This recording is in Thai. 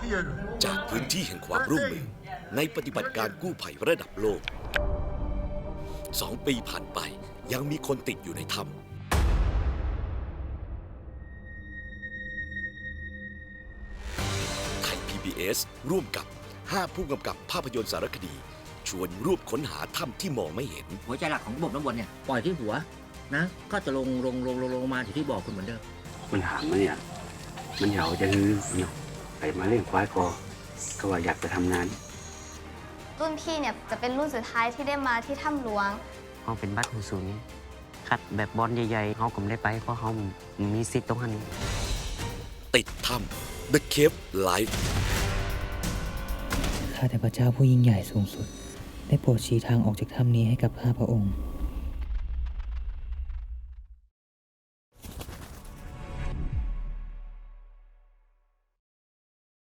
จากพื้นที่แห่งความร่วมมือในปฏิบัติการกู้ภัยระดับโลก 2 ปีผ่านไปยังมีคนติดอยู่ในถ้ำไทย PBS ร่วมกับ 5 ผู้กำกับภาพยนตร์สารคดี ชวนร่วมค้นหาถ้ำที่มองไม่เห็นหัวใจหลักของระบบน้ำวนเนี่ยปล่อยที่หัวนะก็จะลงมาอยู่ที่บ่อคุณเหมือนเดิมมันหางมันเนี่ยมันเหยาจะฮือเนาะไปมาเล่นควายก็ว่าอยากจะทำงานรุ่นพี่เนี่ยจะเป็นรุ่นสุดท้ายที่ได้มาที่ถ้ำหลวงเขาเป็นบัตรหูศูนย์คัดแบบบอลใหญ่ๆเขาก็ไม่ได้ไปเพราะเขามีสิทธิ์ตรงนั้นติดถ้ำ The Cave Life ข้าแต่พระเจ้าผู้ยิ่งใหญ่สูงสุด ได้โปรดชี้ทางออกจากถ้ำนี้ให้กับข้าพระองค์